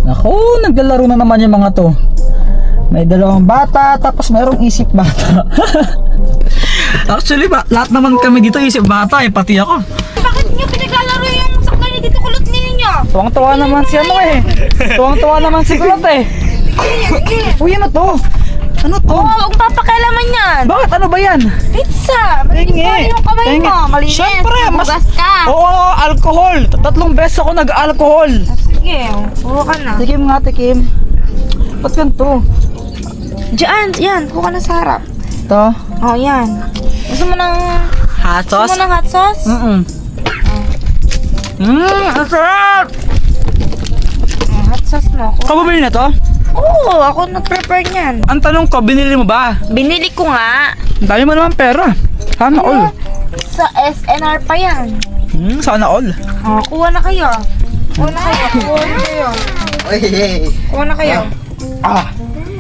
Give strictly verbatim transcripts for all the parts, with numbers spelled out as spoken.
Naku, naglalaro na naman yung mga to. May dalawang bata, tapos mayroong isip bata. Actually ba, lahat naman kami dito isip bata eh, pati ako. Bakit niyo pinaglalaro yung sakay ni Tito Kulot ninyo? Tuwang-tuwa naman si ano eh. Tuwang-tuwa naman si Kulot eh. Uy, ano to? Ano to? Oo, huwag papakialaman yan. Bakit? Ano ba yan? Pizza! Malinis Tingi. pa yung kamay Tingi. mo. Malinis. Siyempre, mas... Hugas ka. Oo, alcohol. Tatlong beses ako nag-alcohol. Sige, huwa ka na. Tikim nga, tikim. Ba't ganito? Diyan, yan. Huwa ka na sa harap. Ito? Oo, yan. Gusto mo ng... Hot Gusto sauce? mo ng hot sauce? Mm-mm. Mmm, ang sarap! Oh, hot sauce mo. Ikaw bumili na to? Oo, ako nag-prepare niyan. Ang tanong ko, binili mo ba? Binili ko nga. Ang dami mo naman pera. Sana all. Sa S N R pa yan. Hmm, sana all. Oh, kuha na kayo. Kuha na kayo. Kuha na kayo. Kuha na kayo. Ah,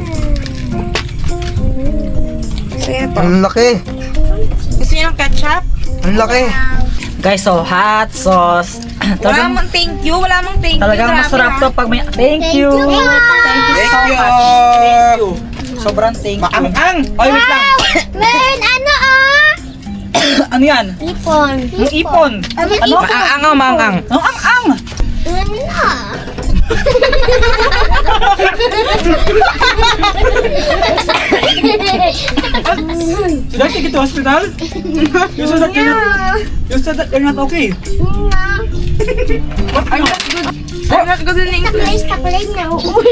Gusto niyo to? Ang laki. Gusto niyo ng ketchup? Ang laki. guys, so hot sauce. Wala Talagang, mong thank you. Wala mong thank you. talagang Grabe, masarap ah. to pag may... Thank you! Thank you Thank so you. much. Thank you. Sobrang thank you. Maang-ang. Oy, wait lang. Meron ano ah? Ano yan? Ipon. Yung ipon. Ano? Maang-ang o maang-ang? Ang ang-ang. Ano? Should I take you to hospital? You said that you're not, you said that you're not okay. What are you? I'm not good in English. Takulay na.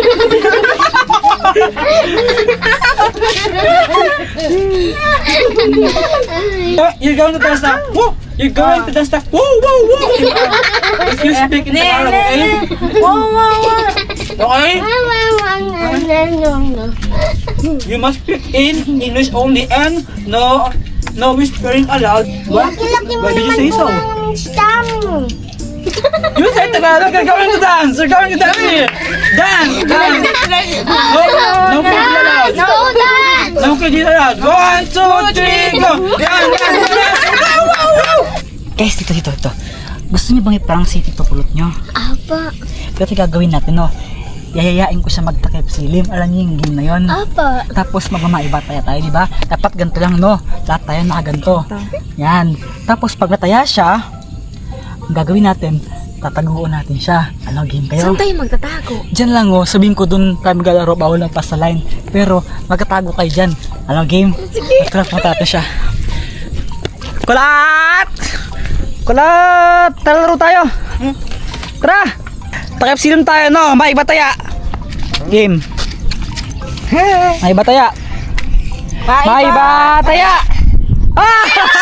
Oh, you're going to dance now. Whoa! You're going to dance now. Whoa, whoa, whoa! If you speak in Tagalog, okay? Wow, wow, wow. Okay? You must speak in English only and no no whispering aloud. What? Why did you say so? You said Tagalog, you're going to dance! You're going to dance here! Dance! Dance! No, no kidding aloud! No dance! No kidding aloud! One, two, three, go! Dance! Dance! Dance! Guys, dito, dito, dito. Gusto niyo bang i-prank si Tito Kulot niyo? Apa. Pero gagawin natin, no? Yayayain ko siya magtakip silim. Alam niyo yung game na yun? Apa. Tapos magmamaiba tayo tayo, di ba? Dapat ganito lang, no? Lahat tayo nakaganto. Yan. Tapos pag nataya siya, ang gagawin natin, tataguan natin siya. Ano, game kayo? Saan tayo magtatago? Diyan lang, oh. Sabihin ko dun tayo maglalaro, bawal lang pa sa line. Pero magtatago kayo dyan. Ano, game? Sige. Tara, punta natin siya. Kulat! Kulat! Tara, laro tayo. Tara! Takip silim tayo, no? Maiba taya. Game. Maiba taya. Maiba taya. Ah!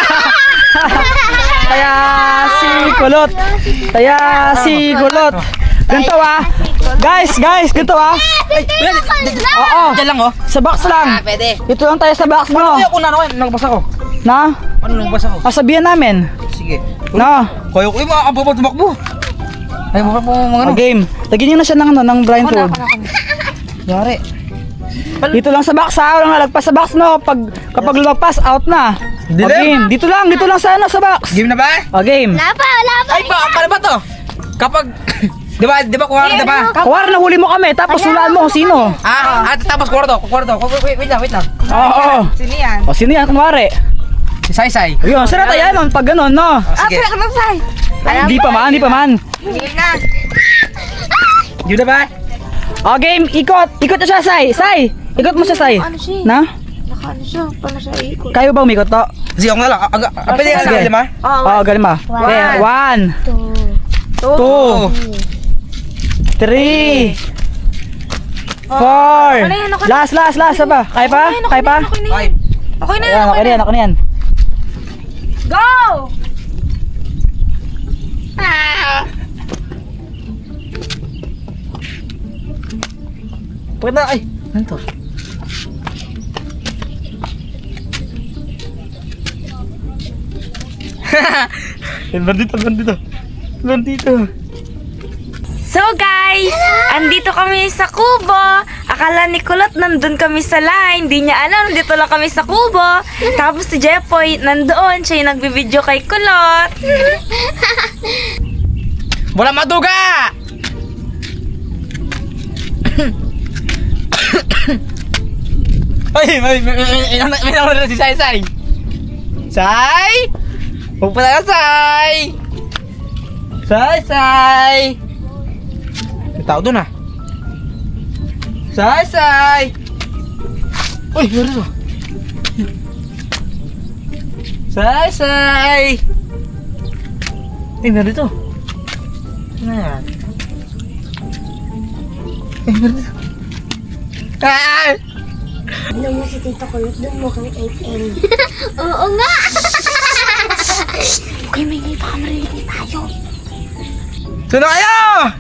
Taya si Kulot. Taya si Kulot. Ganito ah. Guys, guys, ganito ah. Oo. Diyan lang oh. Sa box lang. Pwede. Dito lang tayo sa box mo. Ano kung ano? Nagbasa ko. Na? Ano nagbasa ko? Kasabihan namin. Sige. Na. Kaya ko yung mga kababot tumakbo. Ay, mga po mga ano. Oh, game. Lagyan niyo na siya ng ano, ng blindfold. Yari. Dito lang sa box ha. Walang lalagpas sa box no. Pag kapag lumagpas, out na. O, Dilim. game. Dito lang, dito lang sa ano, sa box. Game na ba? O, game. Wala pa, wala pa. Ay, ba, paano ba to? Kapag, di ba, di ba kuwara, di ba? Kuwari na huli mo kami, tapos hulaan mo kung sino. Ah, ah, tapos kuwara to, kuwara to. Wait, wait lang, wait lang. Oo. Oo. Sino yan? O, sino yan, kunwari? Si Sai Sai. Ayun, sarap tayo nun, pag ganun, no? Oh, sige. Ah, pwede ka Ay, Hindi pa man, hindi pa man. Hindi na. Yun na ba? O, game, ikot. Ikot na siya, Sai. Sai, ikot mo siya, Sai. Ano siya? Na? Naka ano siya? Paano siya ikot? Kayo ba umikot to? Sige, ako na lang. Aga, ah, pwede Sige. ka lima? Oh, O, galing ma. Okay, one, Two. two, three, four. Ano yan, ako na. Last, last, last. Saba? Kaya pa? Kaya pa? Okay na yan. Five. Okay na yan. Ayan, okay na yan, okay na yan. Go! Pwede na, ay. Ano to? Bandito, bandito. Bandito. So guys, andito kami sa Kubo. Akala ni Kulot nandun kami sa line. Di niya alam, nandito lang kami sa Kubo. Tapos si Jepoy nandoon. Siya yung nagbibideo kay Kulot. Wala maduga! Ay, may, may, may, may, may, may naman na si Sai Sai. Sai! Huwag pa tayo, Sai! Sai, Sai! May tao doon ah. Sai, Sai! Uy, meron ito. Sai, Sai! Eh, meron ito. Ano yan? Eh, meron ito. Ah! Ano mo si Tito Kulot doon mo kang eight M. Oo nga! Okay, may ngayon baka marinig tayo. Sino kayo?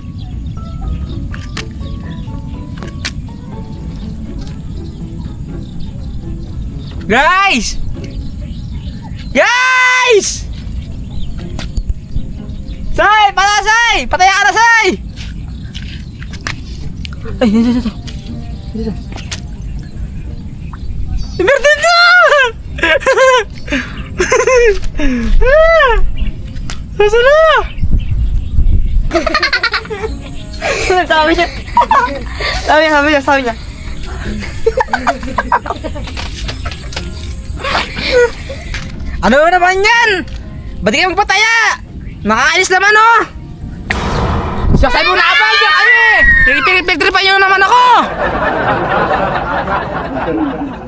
Guys! Guys! Sai! Patay, Sai! Patay ka na, Sai! Ay, dito, dito. Dito. Meron dito! Nasaan na? Sabi niya. Sabi niya, sabi niya, sabi niya. Ano naman yan? Ba't di kayo magpataya? Nakakainis naman, oh! Sabi mo na abang dyan kayo eh! Pinagtripan nyo naman ako!